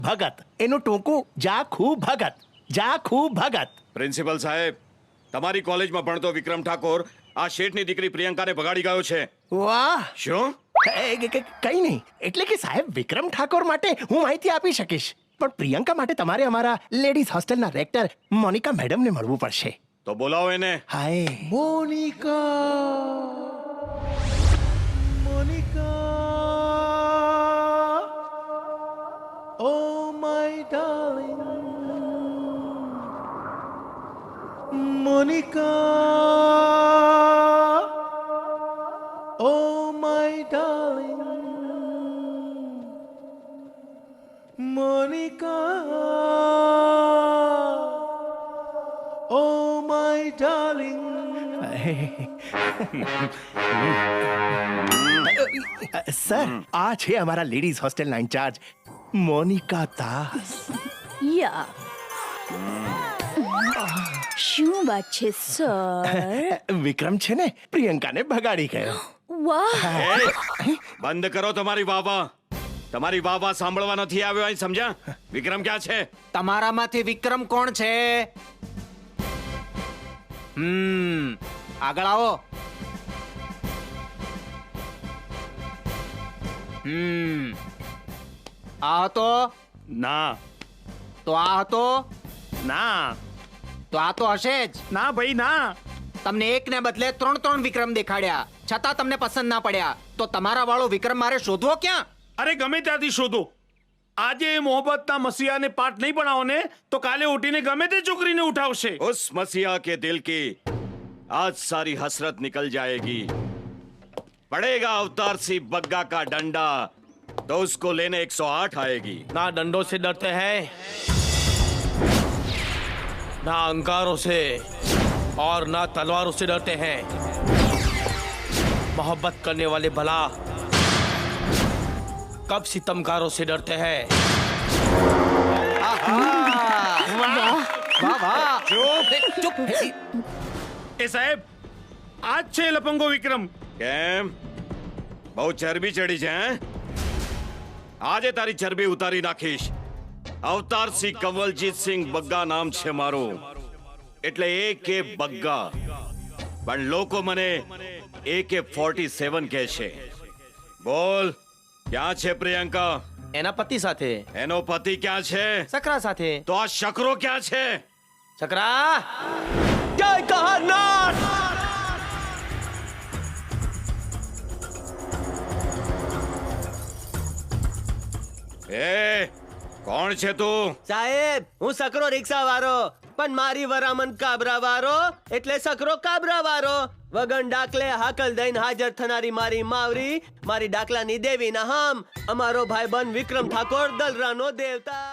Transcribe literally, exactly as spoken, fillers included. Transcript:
ભગત. એનું ટૂંકું જાખું ભગત. જાખું ભગત. પ્રિન્સિપલ સાહેબ, તમારી કોલેજમાં ભણતો વિક્રમ ઠાકોર આ શેઠની દીકરી પ્રિયંકાને ભગાડી ગયો છે. વાહ. શું? એ, ક- ક- કઈ નહીં. એટલે કે સાહેબ, વિક્રમ ઠાકોર માટે હું માહિતી આપી શકીશ, પણ પ્રિયંકા માટે તમારે અમારા લેડીઝ હોસ્ટેલના રેક્ટર મોનિકા મેડમને મળવું પડશે. તો બોલાવો એને. Hi Monica. Monica. Oh my darling. Monica. Oh my darling. Monica. Oh my darling. Sir, આ છે અમારા લેડીઝ હોસ્ટેલના ઇન્ચાર્જ મોનિકા દાસ. યા શું વાત છે સર? વિક્રમ છે ને પ્રિયંકાને ભગાડી ગયો. વાહ. એ, બંધ કરો તમારી વાવા. તમારી વાવા સાંભળવા નથી આવ્યો અહીં, સમજ્યા? વિક્રમ ક્યાં છે? તમારામાંથી વિક્રમ કોણ છે? હમ આગળ આવો. હમ આ હતો? ના તો આ હતો? ના તો આ તો હશે જ. ના ભાઈ ના. તમને એક ને બદલે ત્રણ ત્રણ વિક્રમ દેખાડ્યા, છતાં તમને પસંદ ના પડ્યા. તો તમારા વાળો વિક્રમ મારે શોધવો ક્યાં? અરે ગમે ત્યાંથી શોધો. આજે એ મોહબ્બતના મસીહાને પાઠ નહીં ભણાવો ને તો કાલે ઉઠીને ગમે તે છોકરીને ઉઠાવશે. उस मसीहा के दिल की आज सारी हसरत निकल जाएगी. पड़ेगा अवतार सी बग्गा का डंडा तो उसको लेने एक सौ आठ आएगी. ना डंडों से डरते हैं, ना अंगारों से और ना तलवारों से डरते हैं. मोहब्बत करने वाले भला कब सितमकारों से डरते हैं. વાહ વાહ. ચૂપ. એ સાહેબ, આ જ છે લપંગો વિક્રમ. કેમ બહુ ચરબી ચડી છે હે? આજે તારી ચરબી ઉતારી નાખીશ. અવતાર સિંહ કંવલજીત સિંહ બગ્ગા નામ છે મારું, એટલે એ કે બગ્ગા. પણ લોકો મને એ કે ફોર્ટી સેવન કહે છે. બોલ, ક્યાં છે પ્રિયંકા? એના પતિ સાથે. એનો પતિ ક્યાં છે? સકરા સાથે. તો આ શકરો ક્યાં છે? સકરા. જય કહાનાથ. એ કોણ છે તું? સાહેબ, હું સકરો રિક્ષા વાળો, પણ મારી વરામન કાબરા વાળો એટલે સકરો કાબરા વાળો. વગન ડાકલે હાકલ દઈને હાજર થનારી મારી માવરી, મારી ડાકલાની દેવી ના હમ, અમારો ભાઈબંધ વિક્રમ ઠાકોર દલરાનો દેવતા.